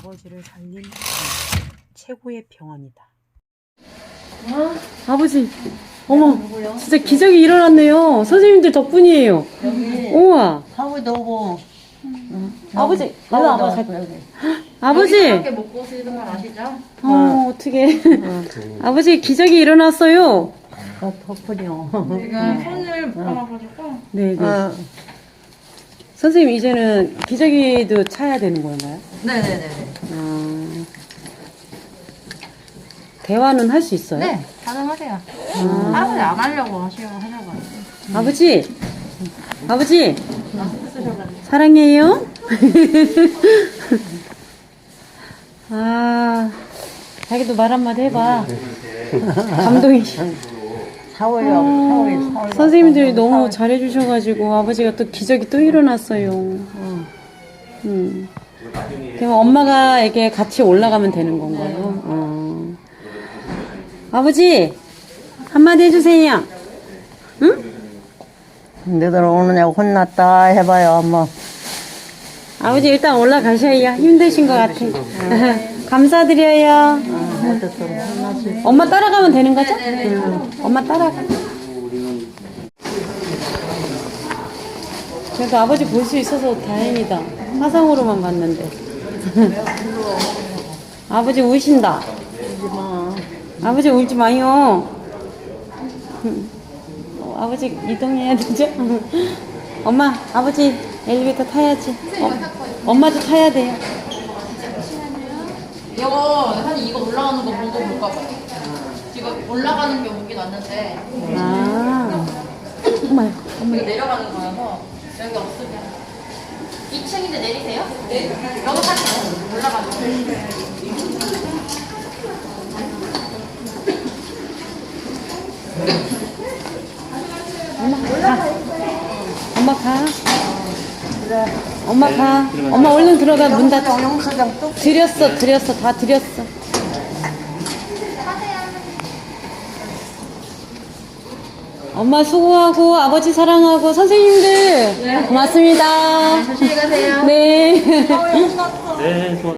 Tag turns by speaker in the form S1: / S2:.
S1: 아버지를 살린 최고의 병원이다.
S2: 아버지, 어머, 진짜 기적이 일어났네요. 선생님들 덕분이에요. 우와.
S3: 하고도 오고.
S2: 아버지, 일로 와봐.
S3: 여기.
S2: 아버지,
S4: 이렇게 먹고 쓰는 건 아시죠?
S2: 어떡해. 아버지, 기적이 일어났어요.
S3: 덕분이요.
S4: 지금 손을 묶어놔가지고.
S2: 네, 네. 선생님, 이제는 기저귀도 차야 되는 건가요?
S4: 네네네.
S2: 대화는 할 수 있어요?
S4: 네, 가능하세요. 아버지 안 하려고 하려고.
S2: 아버지, 아버지, 사랑해요. 아, 자기도 말 한마디 해봐. 감동이.
S3: 사월이요.
S2: 선생님들이 너무 잘해주셔가지고 아버지가 또 기적이 또 일어났어요. 그럼 엄마가 이렇게 같이 올라가면 되는 건가요? 아버지, 한마디 해주세요. 응?
S3: 너들 오느냐고 혼났다 해봐요, 엄마.
S2: 아버지 일단 올라가셔야 힘드신 것 같아. 감사드려요.
S3: 어쨌든 혼났지.
S2: 엄마 따라가면 되는 거죠? 엄마 따라가. 그래도 아버지 볼 수 있어서 다행이다. 화상으로만 봤는데. 아버지 우신다. 아버지 울지 마요. 아버지 이동해야 되죠? 엄마, 아버지 엘리베이터 타야지. 엄마도 타야 돼요.
S4: 이거 올라가는 거 보고 볼까 봐요. 지금 올라가는 게 오긴 왔는데
S2: 아, 엄마요.
S4: 이거 내려가는 거여서 여기 없으면 2층인데 내리세요? 네. 여기 타세요. 올라가는 거.
S2: 엄마 가. 엄마 가. 엄마 얼른 들어가. 문 닫아.
S3: 영수증 뚝.
S2: 드렸어. 다 드렸어. 엄마 수고하고 아버지 사랑하고 선생님들 고맙습니다.
S4: 조심히 가세요.
S2: 네.
S5: 네,